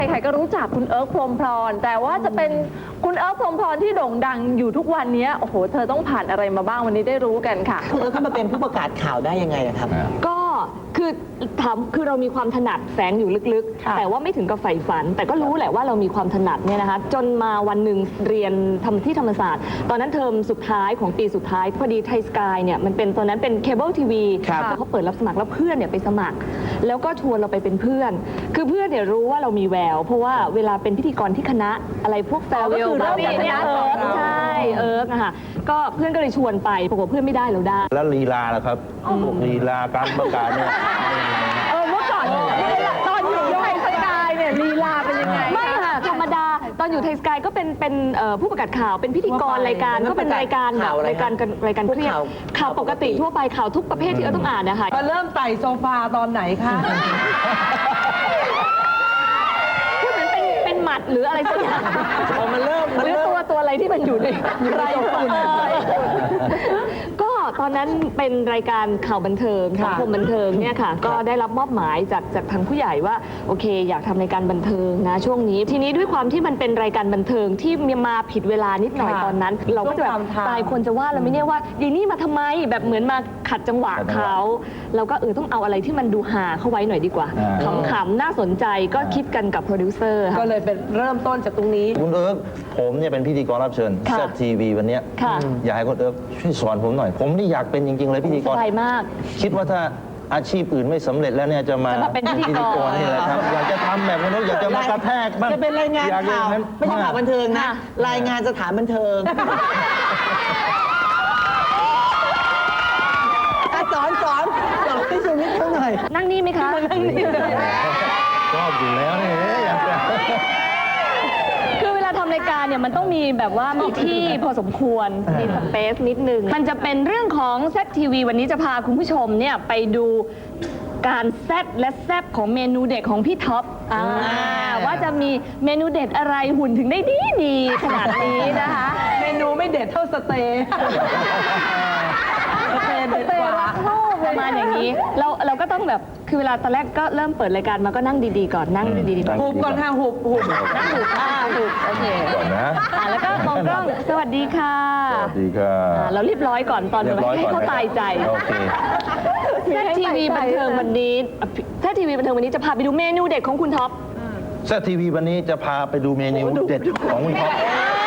ใครๆก็รู้จักคุณเอิร์กพรหมพรแต่ว่าจะเป็นคุณเอิร์กพรหมพรที่โด่งดังอยู่ทุกวันนี้โอ้โหเธอต้องผ่านอะไรมาบ้างวันนี้ได้รู้กันค่ะคุณเอิร์กเข้ามาเป็นผู้ประกาศข่าวได้ยังไงอะครับก็คือเรามีความถนัดแฝงอยู่ลึกๆ แต่ว่าไม่ถึงกับใฝ่ฝัน แต่ก็รู้แหละว่าเรามีความถนัดเนี่ยนะคะจนมาวันหนึ่งเรียนที่ธรรมศาสตร์ตอนนั้นเทอมสุดท้ายของปีสุดท้ายพอดีไทยสกายเนี่ยมันเป็นตอนนั้นเป็นเคเบิลทีวีเขาเปิดรับสมัครแล้วเพื่อนเนี่ยไปสมัคร แล้วก็ชวนเราไปเป็นเพื่อนคือเพื่อนเนี่ยรู้ว่าเรามีแววเพราะว่าเวลาเป็นพิธีกรที่คณะอะไรพวกแฟร์เวลบาร์บี้เนี่ยใช่เอิร์กนะคะก็เพื่อนก็เลยชวนไปปรากฏเพื่อนไม่ได้เราได้แล้วลีลาล่ะครับพวกลีลาการประกาศเนี่ยเมื่อก่อนตอนอยู่ไทยสกายเนี่ยลีลาเป็นยังไงไม่ค่ะธรรมดาตอนอยู่ไทยสกายก็เป็นผู้ประกาศข่าวเป็นพิธีกรรายการก็เป็นรายการแบบรายการเครียดข่าวปกติทั่วไปข่าวทุกประเภทที่เราต้องอ่านนะคะมาเริ่มไต่โซฟาตอนไหนคะพูดเหมือนเป็นหมัดหรืออะไรสักอย่างมันเริ่มหรือตัวอะไรที่มันอยู่ในไรฝุ่นก็ตอนนั้นเป็นรายการข่าวบันเทิงสังคมบันเทิงเนี่ยค่ะก็ได้รับมอบหมายจากทางผู้ใหญ่ว่าโอเคอยากทำรายการบันเทิงนะช่วงนี้ทีนี้ด้วยความที่มันเป็นรายการบันเทิงที่มาผิดเวลานิดหน่อยตอนนั้นเราก็จะแบบตายคนจะว่าเราไม่เนี่ยว่าดีนี่มาทำไมแบบเหมือนมาขัดจังหวะเขาเราก็ต้องเอาอะไรที่มันดูหาเข้าไว้หน่อยดีกว่าขำๆน่าสนใจก็คิดกันกับโปรดิวเซอร์ก็เลยเป็นเริ่มต้นจากตรงนี้คุณเอิร์กผมเนี่ยเป็นพิธีกรรับเชิญแซ่บทีวีวันนี้อยากให้คุณเอิร์กช่วยสอนผมหน่อยผมนี่อยากเป็นจริงๆเลยพิธีกรสบายมากคิดว่าถ้าอาชีพอื่นไม่สำเร็จแล้วเนี่ยจะมาเป็นพิธีกรนี่แหละครับอยากจะทำแบบนั้นอยากจะมากระแทกบ้างจะเป็นรายงานข่าวไม่ใช่ข่าวบันเทิงนะรายงานสถานบันเทิงสอนที่ชีวิตเขาหน่อยนั่งนี่ไหมคะนั่งนี่เลยชอบอยู่แล้วเนี่ยอยากจะคือเวลาทำรายการเนี่ยมันต้องมีแบบว่ามีที่พอสมควรมีสเปซนิดนึงมันจะเป็นเรื่องของแซ่บทีวีวันนี้จะพาคุณผู้ชมเนี่ยไปดูการแซ่บและแซ่บของเมนูเด็ดของพี่ท็อปว่าจะมีเมนูเด็ดอะไรหุ่นถึงได้ดีขนาดนี้นะคะเมนูไม่เด็ดเท่าสเต๊ะสเต๊ะรักโลกประมาณอย่างนี้เราก็ต้องแบบคือเวลาตอนแรกก็เริ่มเปิดรายการมาก็นั่งดีๆก่อนนั่งดีๆก่อนหุบก่อนค่ะหุบนั่งหุบโอเคก่อนนะแล้วก็มองกล้องสวัสดีค่ะสวัสดีค่ะเราเรียบร้อยก่อนตอนให้เขาตายใจโอเคแซ่บทีวีบันเทิงวันนี้แซ่บทีวีบันเทิงวันนี้จะพาไปดูเมนูเด็ดของคุณท็อปแซ่บทีวีวันนี้จะพาไปดูเมนูเด็ดของคุณท็อป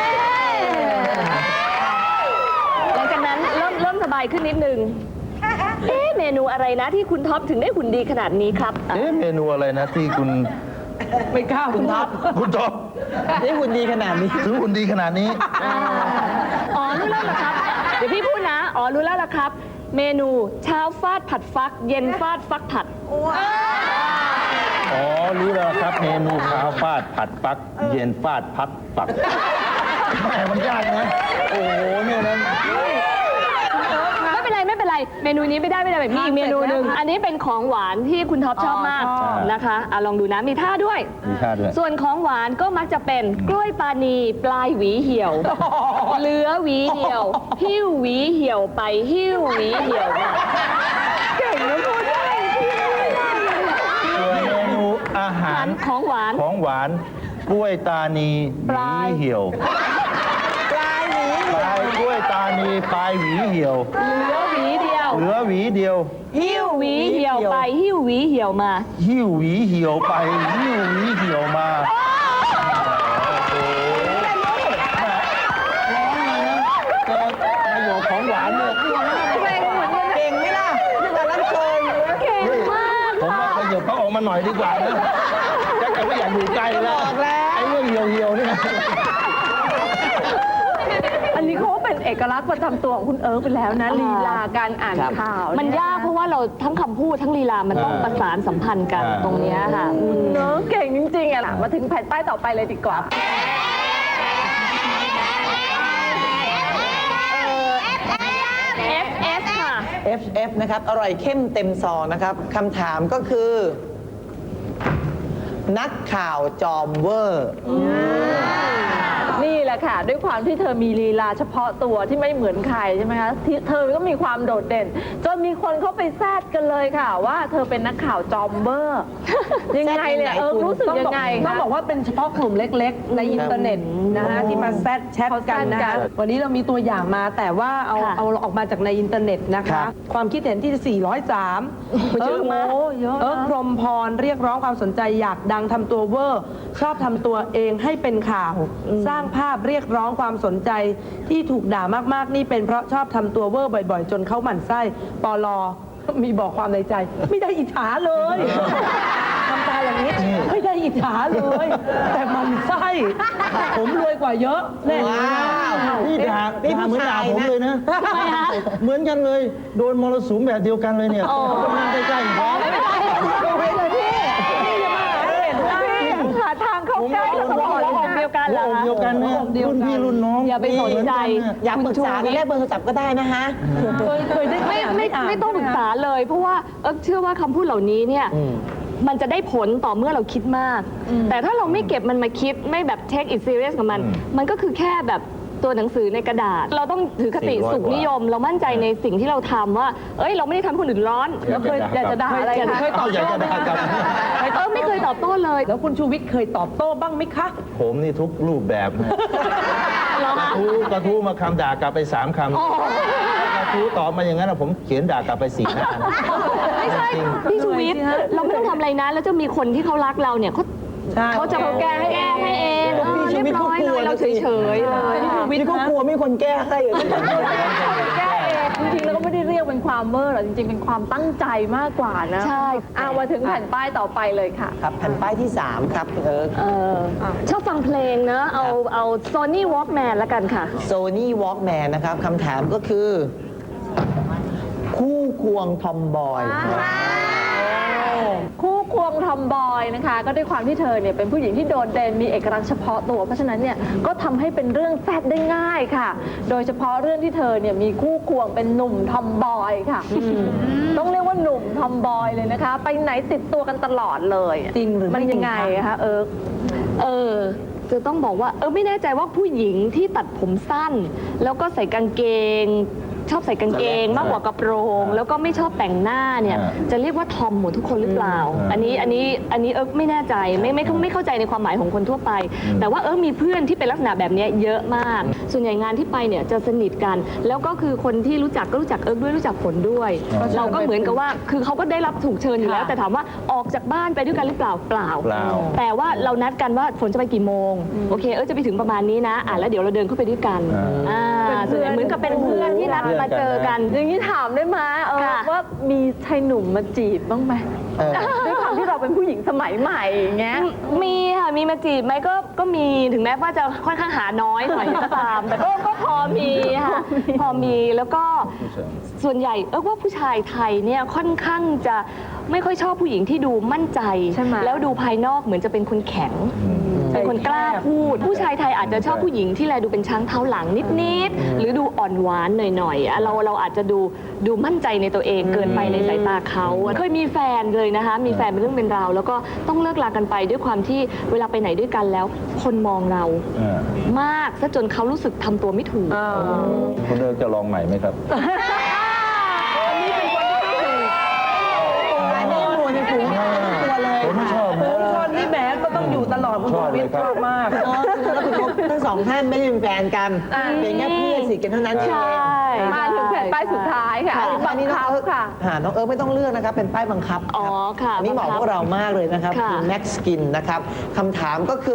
หลังจากนั้นเริ่มสบายขึ้นนิดนึงเมนูอะไรนะที่คุณท็อปถึงได้หุ่นดีขนาดนี้ครับเมนูอะไรนะที่คุณไม่กล้าคุณท็อปได้หุ่นดีขนาดนี้ถึงหุ่นดีขนาดนี้รู้แล้วล่ะครับเดี๋ยวพี่พูดนะรู้แล้วล่ะครับเมนูเช้าฟาดผัดฟักเย็นฟาดฟักผัดรู้แล้วครับเมนูเช้าฟาดผัดฟักเย็นฟาดพักปักแม่มันยากนะโอ้โหเนี่ยนะไม่เป็นไรเมนูนี้ไม่ได้แบบมีอีกเมนูหนึ่งอันนี้เป็นของหวานที่คุณท็อปชอบมากนะคะลองดูนะมีท่าด้วยส่วนของหวานก็มักจะเป็นกล้วยปานีปลายหวีเหี่ยวเหลือหวีเหี่ยวหิ้วหวีเหี่ยวไปหิ้วหวีเหี่ยวมาเก่งนะพูดได้เมนูอาหารของหวานกล้วยตานีหวีเหี่ยวกล้วยตานีปลายหวีเหี่ยวเหลือหวีเดียวหิ้วหวีเหี่ยวไปหิ้วหวีเหี่ยวมาหิ้วหวีเหี่ยวไปหิ้วหวีเหี่ยวมาประโยชน์ของหวานเนี่ยเก่งไหมล่ะแต่ละคนเก่งมากผมว่าประโยชน์เขาออกมาหน่อยดีกว่านะแต่ไม่อยากอยู่ใกล้แล้วไอ้เรื่องเหี่ยวนี่อันนี้เขาเป็นเอกลักษณ์ประจำตัวของคุณเอิร์กไปแล้วนะลีลาการอ่านข่าวมันยากเพราะว่าเราทั้งคำพูดทั้งลีลามันต้องประสานสัมพันธ์กันตรงนี้ค่ะเก่งจริงๆมาถึงแผ่นป้ายต่อไปเลยดีกว่า FF ค่ะ FF นะครับอร่อยเข้มเต็มซองนะครับคำถามก็คือนักข่าวจอมเวอร์นี่แหละอะค่ะ ด้วยความที่เธอมีลีลาเฉพาะตัวที่ไม่เหมือนใครใช่ไหมคะที่เธอก็มีความโดดเด่น จนมีคนเข้าไปแซดกันเลยค่ะ ว่าเธอเป็นนักข่าวจอมเบอร์ ยังไงเนี่ยรู้สึกยังไงต้องคะบอกว่าเป็นเฉพาะกลุ่มเล็กๆ ในอินเทอร์เน็ตนะฮะที่มาแชทกันนะเขาแซดกัคะนวันนี้เรามีตัวอย่างมาแต่ว่าเอาค่ะเอาออกมาจากในอินเทอร์เน็ตนะครัคะบความคิดเห็นที่ 403 เยอะมากเยอะนะพรหมพรเรียกร้องความสนใจอยากดังทำตัวเวอร์ ชอบทำตัวเองให้เป็นข่าว สร้างภาพเรียกร้องความสนใจที่ถูกด่ามากๆ นี่เป็นเพราะชอบทำตัวเวอร์บ่อยๆ จนเขาหมั่นไส้ปลอมีบอกความในใจ ไม่ได้อิจฉาเลยทำตาอย่างนี้ไม่ได้อิจฉาเลย แต่มันไส้ผมรวยกว่าเยอะแน่ว้าวนี่ด่านี่ด่าเหมือนด่าผู้ชายผมนะเลยนะทำไมคะเหมือนกันเลย โดนมรสุมแบบเดียวกันเลยเนี่ยคนนั่งใกล้ๆผมหาทางเข้าใกล้ตลอดหัวอกเดียวกันเหรอหัวอกคะเดียวกันนะรุ่นพี่รุ่นน้องอย่าไปสนใจอยากปรึกษากันแลกเบอร์โทรศัพท์ก็ได้นะฮะเคยได้ไม่ต้องปรึกษาเลย เพราะว่าเชื่อว่าคำพูดเหล่านี้เนี่ยมันจะได้ผลต่อเมื่อเราคิดมาก แต่ถ้าเราไม่เก็บมันมาคิดไม่แบบ take it serious กับมัน มันก็คือแค่แบบตัวหนังสือในกระดาษ เราต้องถือคติสุขนิยม เรามั่นใจในสิ่งที่เราทำว่า เราไม่ได้ทำให้คนอื่นร้อนแล้วเคยอยากจะด่าอะไรคะเคยตอบอยากโต้จะไหมด่ากลับไม่เคยตอบโต้เลยแล้วคุณชูวิทย์เคยตอบโต้บ้างไหมคะผมนี่ทุกรูปแบบนะกระทู้มาคำด่ากลับไป3 คำกระทู้ตอบมาอย่างนั้นนะผมเขียนด่ากลับไป4 หน้านะไม่ใช่ พี่ชูวิทย์เราไม่ต้องทำอะไรนะ แล้วจะมีคนที่เขารักเราเนี่ยเขาจะแก้ให้เองพี่ชูวิทย์เรียบร้อยเขากลัวเลยเราเฉยๆเลยพี่เขากลัวมีคนแก้ให้เลยแก้เองจริงๆแล้วก็ไม่ได้เรียกเป็นความเวอร์หรอกจริงๆเป็นความตั้งใจมากกว่านะใช่มาถึงแผ่นป้ายต่อไปเลยค่ะครับแผ่นป้ายที่ 3 ครับคุณเอิร์กชอบฟังเพลงนะ เอา Sony Walkman ละกันค่ะ Sony Walkman นะครับคำถามก็คือ คู่ควงทอมบอยคู่ควงทอมบอยนะคะ ก็ด้วยความที่เธอเนี่ยเป็นผู้หญิงที่โดดเด่นมีเอกลักษณ์เฉพาะตัว เพราะฉะนั้นเนี่ยก็ทำให้เป็นเรื่องแซดได้ง่ายค่ะ โดยเฉพาะเรื่องที่เธอเนี่ยมีคู่ควงเป็นหนุ่มทอมบอยค่ะต้องเรียกว่าหนุ่มทอมบอยเลยนะคะ ไปไหนติดตัวกันตลอดเลยจริงหรือไม่มันยังไงจริงคะคะจะต้องบอกว่าไม่แน่ใจว่าผู้หญิงที่ตัดผมสั้น แล้วก็ใส่กางเกง ชอบใส่กางเกงมากกว่ากระโปรง แล้วก็ไม่ชอบแต่งหน้าเนี่ยจะเรียกว่าทอมหมดทุกคนหรือเปล่า อันนี้ไม่แน่ใจไม่เข้าใจในความหมายของคนทั่วไป แต่ว่ามีเพื่อนที่เป็นลักษณะแบบนี้เยอะมาก ส่วนใหญ่งานที่ไปเนี่ยจะสนิทกัน แล้วก็คือคนที่รู้จักก็รู้จักด้วยรู้จักผลด้วย เราก็เหมือนกับว่าคือเขาก็ได้รับถูกเชิญอยู่แล้ว แต่ถามว่าออกจากบ้านไปด้วยกันหรือเปล่าเปล่า แต่ว่าเรานัดกันว่าฝนจะไปกี่โมงโอเคจะไปถึงประมาณนี้นะแล้วเดี๋ยวเราเดินเข้าไปด้วยกันส่วนใหญ่เหมือนกับเป็นเพื่อนที่นัดมาเจอกันอย่างนี้ถามได้ไหมค่ะว่ามีชายหนุ่มมาจีบบ้างไหมด้วยความที่เราเป็นผู้หญิงสมัยใหม่อย่างเงี้ยมีค่ะมีมาจีบไหมก็มีถึงแม้ว่าจะค่อนข้างหาน้อยหน่อยก็ตาม แต่ก็พอมีค่ะพอมีแล้วก็ส่วนใหญ่ว่าผู้ชายไทยเนี่ยค่อนข้างจะไม่ค่อยชอบผู้หญิงที่ดูมั่นใจใช่ไหมแล้วดูภายนอกเหมือนจะเป็นคนแข็ง เป็นคนกล้าพูด ผู้ชายไทยอาจจะชอบผู้หญิงที่แลดูเป็นช้างเท้าหลังนิดๆหรือดูอ่อนหวานหน่อยๆเราอาจจะดูมั่นใจในตัวเองเกินไปในสายตาเขาเคยมีแฟนเลยนะคะมีแฟนเป็นเรื่องเป็นราวแล้วก็ต้องเลิกลากันไปด้วยความที่เวลาไปไหนด้วยกันแล้ว คนมองเรามากซะจนเขารู้สึกทำตัวไม่ถูกคุณเอิร์กจะลองใหม่ไหมครับอันนี้หัวในฝูงตัวเลยผมชอบฝูงชนนี่แหมก็ต้องอยู่ตลอดคุณชูวิทย์ชอบมากแล้วคุณทั้งสองท่านไม่ได้เป็นแฟนกันเป็นแค่เพื่อนสนิทกันเท่านั้นเองใช่มาถึงแผ่นป้ายสุดท้ายค่ะอันนี้น้องเอิร์กน้องเอิร์กไม่ต้องเลือกนะครับเป็นป้ายบังคับอ๋อค่ะอันนี้เหมาะพวกเรามากเลยนะครับค่ะคุณแม็กซ์กินนะครับคำถามก็คือ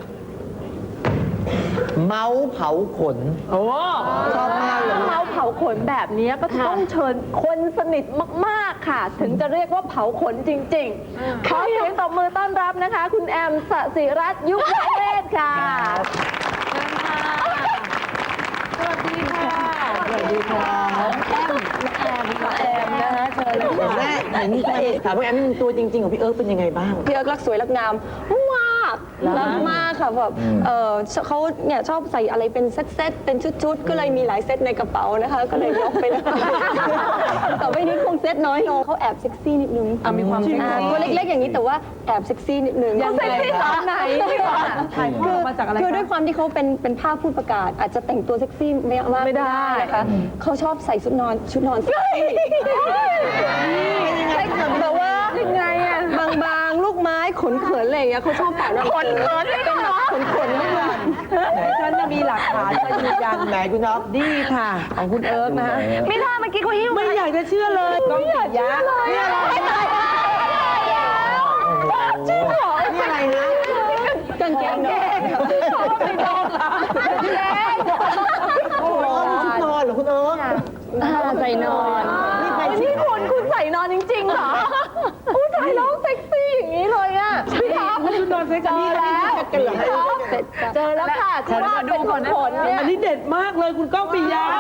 เมาส์เผาขนโอ้ชอบมากเลยเมาเผาขนแบบนี้ก็ต้องเชิญคนสนิทมากๆค่ะ ถึงจะเรียกว่าเผาขนจริงๆ ขอเสียงตบมือต้อนรับนะคะ คุณแอมสศิรัตน์ยุวเวศค่ะสวัสดีค่ะสวัสดีค่ะแอมนะฮะเชิญเลยเห็นแม่เห็นพระเอกถามว่าแอมตัวจริงๆของพี่เอิร์กเป็นยังไงบ้างพี่เอิร์กรักสวยรักงามมากรักมากค่ะค่ะแบบเขาเนี่ยชอบใส่อะไรเป็นเซตๆเป็นชุดๆก็เลยมีหลายเซตในกระเป๋านะคะ ก็เลยยกไปเลย ต่อไปนี้คงเซตน้อยลงเขาแอบเซ็กซี่นิดนึงมีความเซ็กซี่ตัวเล็กๆอย่างนี้แต่ว่าแอบเซ็กซี่นิดนึงเซ็กซี่ตอนไหนดีกว่าถ่ายภาพมาจากอะไรคือคะด้วยความที่เขาเป็นภาพพูดประกาศ อาจจะแต่งตัวเซ็กซี่ไม่ได้นะคะเขาชอบใส่ชุดนอนเซ็กซี่แบบว่ายังไงอะบางๆลูกไม้ขนเขินอะไรอย่างเงี้ยเขาชอบแต่งขนเขินเป็นขนนิดนึงฉันจะมีหลักฐานมายืนยันไหนคุณอ๊อฟดีค่ะ ของคุณเอิร์กนะฮะไม่ท่าเมื่อกี้เขาหิ้วไม่อยากจะเชื่อเลยกล้องปิดยะเนี่ยอะไรจริงเหรอนี่อะไรนะกางเกงนอนไม่ได้หรอโอ้โหชุดนอนเหรอคุณเอิร์กใส่นอนนี่คุณใส่นอนจริงๆเหรออู้ถ่ายแล้วเซ็กซี่อย่างนี้เลยอ่ะพี่ท็อปชุดนอนเซ็กเจซี่อแล้วพี่ท็อปเจอแล้วค่ะที่ว่าเป็นขนเนี่ยอันนี้เด็ดมากเลยคุณก้องปิยะ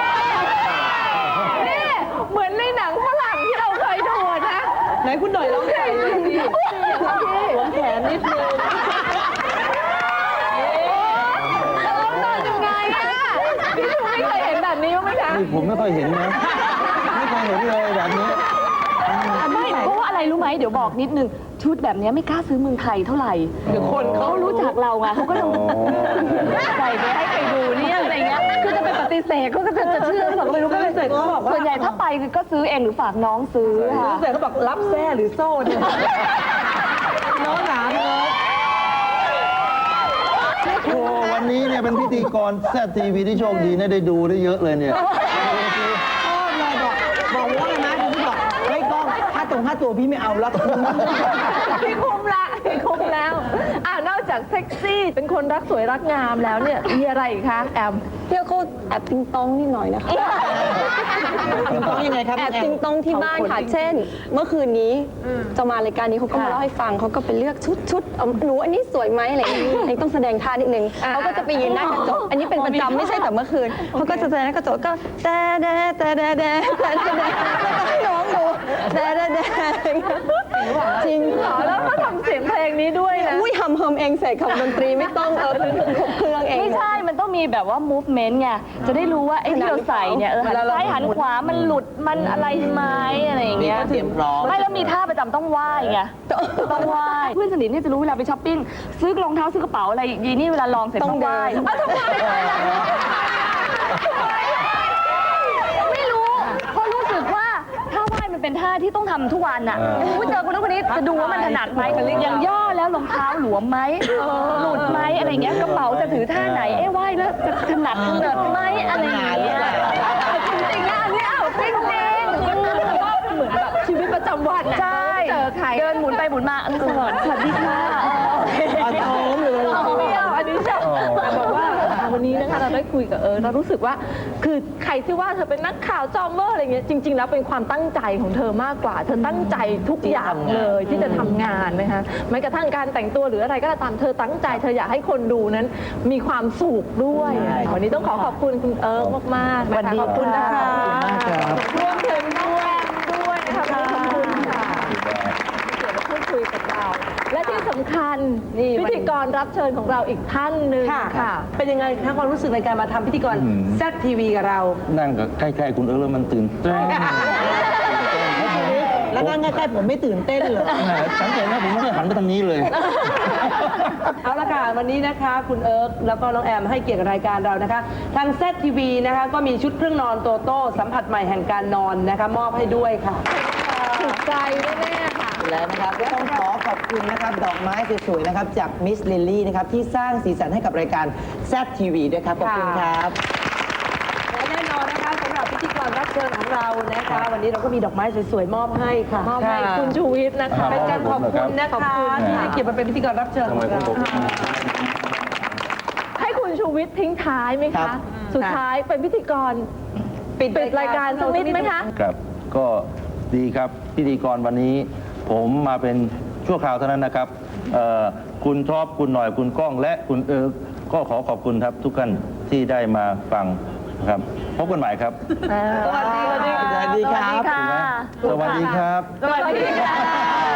นี่เหมือนในหนังฝรั่งที่เราเคยดูนะไหนคุณหน่อยร้องเพลงดิหัวแขนนิดนึงแล้วนอนยังไงอ่ะพี่ชูไม่เคยเห็นแบบนี้บ้างไหมคะนี่ผมไม่ค่อยเห็นนะ ไม่เคยเห็นเลยแบบนี้ไม่เพราะว่าอะไรรู้ไหมเดี๋ยวบอกนิดนึงชุดแบบนี้ไม่กล้าซื้อเมืองไทยเท่าไหร่เดี๋ยวคนเขารู้จักเราไงเขาก็ต้องใส่ไปให้ใครดูเนี่ยอะไรเงี้ยคือจะไปปฏิเสธเขาก็จะเชื่อเราไม่รู้ก็เลยเสร็จเขาบอกว่าส่วนใหญ่ถ้าไปคือก็ซื้อเองหรือฝากน้องซื้อค่ะรู้สึกเขาบอกรับแซ่หรือโซ่เนี่ยน้องหนาเนอะโอ้วันนี้เนี่ยเป็นพิธีกรแซ่บทีวีที่โชคดีนะได้ดูได้เยอะเลยเนี่ยชอบเลยบอกว่าอะไรนะคุณพี่บอกเฮ้ยกล้องค่าตัวพี่ไม่เอาแล้วพี่คุ้มละพี่คุ้มแล้วนอกจากเซ็กซี่เป็นคนรักสวยรักงามแล้วเนี่ยมีอะไรอีกคะแอมเที่ยวเขาแอบติงตองนิดหน่อยนะคะคุณต้องยังไงครับแอบคุณแอติมงตองที่บ้านค่ะ เช่น เมื่อคืนนี้จะมารายการนี้เขาก็มาเล่าให้ฟังเขาก็ไปเลือกชุดหนูอันนี้สวยไหมอะไรอย่างเงี้ยยังต้องแสดงท่านิดนึงเขาก็จะไปยืนหน้ากระจกอันนี้เป็นประจำไม่ใช่แต่เมื่อคืนเขาก็จะแสดงหน้ากระจกก็แต่ให้น้องดูแต่จริงอ๋อแล้วก็ทำเสียงเพลงนี้ด้วยนะอุ้ยทำเองเสร็จขับดนตรีไม่ต้องครบเครื่องเองไม่ใช่ มันต้องมีแบบว่า movement ไง จะได้รู้ว่าไอ้ที่เราใส่เนี่ยหันซ้ายหันขวา มันหลุด มันอะไรไหมอะไรอย่างเงี้ยเตรียมพร้อมไม่แล้วมีท่าประจำต้องไหว้ไง ต้องไหว้ เพื่อนสนิทเนี่ยจะรู้เวลาไปช้อปปิ้ง ซื้อรองเท้าซื้อกระเป๋าอะไรยีนี่เวลาลองเสร็จต้องไหว้ไม่รู้เพราะรู้สึกว่าท่าไหว้มันเป็นท่าที่ต้องทำทุกวันอ่ะเจอคนนั้นคนนี้จะดูว่ามันถนัดไหมอย่างย่อแล้วรองเท้าหลวมไหมหลุดไหมอะไรเงี้ยกระเป๋าจะถือท่าไหนไหว้แล้วจะถนัดไหมอะไรอย่างเงี้ยจริงๆนะอันนี้จริงๆก็เหมือนแบบชีวิตประจำวันนะใช่เจอใครเดินหมุนไปหมุนมาสวัสดีค่ะอ่อนโยนเลยไม่เอาอันนี้ชอบแต่บอกว่าวันนี้นะคะเราได้คุยกับเรารู้สึกว่าคือใครที่ว่าเธอเป็นนักข่าวจอมเมอร์อะไรเงี้ยจริง ๆ แล้วเป็นความตั้งใจของเธอมากกว่าเธอตั้งใจทุกอย่างเลยที่จะทำงานนะคะแม้กระทั่งการแต่งตัวหรืออะไรก็ตามเธอตั้งใจเธออยากให้คนดูนั้นมีความสุขด้วยวันนี้ต้องขอบคุณคุณเอิร์กมากๆนะคะขอบคุณนะคะรวมถึงน้องแอมด้วยนะคะขอบคุณค่ะเกี่ยวกับพูดคุยกับเรา และที่สำคัญพิธีกรรับเชิญของเราอีกท่านหนึ่งค่ะเป็นยังไงคะความรู้สึกในการมาทำพิธีกรแซ่บทีวีกับเรานั่งกับใกล้ๆคุณเอิร์ธแล้วมันตื่นเต้นแล้วนั่งใกล้ๆผมไม่ตื่นเต้นเลยแหมสังเกตนะผมไม่ได้หันไปทางนี้เลยเอาละค่ะวันนี้นะคะคุณเอิร์กแล้วก็น้องแอมให้เกียรติกับรายการเรานะคะ ทางแซ่บทีวีนะคะก็มีชุดเครื่องนอนโตโต้สัมผัสใหม่แห่งการนอนนะคะมอบให้ด้วยค่ะถูกใจแน่ๆค่ะแล้วนะครับก็ต้องขอขอบคุณนะครับดอกไม้สวยๆนะครับจากมิสลิลลี่นะครับที่สร้างสีสันให้กับรายการแซ่บทีวีด้วยครับขอบคุณครับและแน่นอนนะคะสำหรับพิธีกรรับเชิญของเรานะคะ วันนี้เราก็มีดอกไม้สวยๆมอบให้ค่ะมอบให้คุณชูวิทย์นะคะเป็นการขอบคุณนะขอบคะคุณที่ค่ะให้เกียรติมาเป็นพิธีกรรับเชิญของเราให้คุณชูวิทย์ทิ้งท้ายไหมครัคะบสุดท้ายเป็นพิธีกรปิดรายการสักนิดไหมคะครับ ก็ดีครับพิธีกรวันนี้ ผมมาเป็นชั่วคราวเท่านั้นนะครับคุณท็อปคุณหน่อยคุณก้องและคุณเอิร์กก็ขอขอบคุณครับทุกท่านที่ได้มาฟังนะครับพบกันใหม่ครับสวัสดีครับสวัสดีครับสวัสดีค่ะ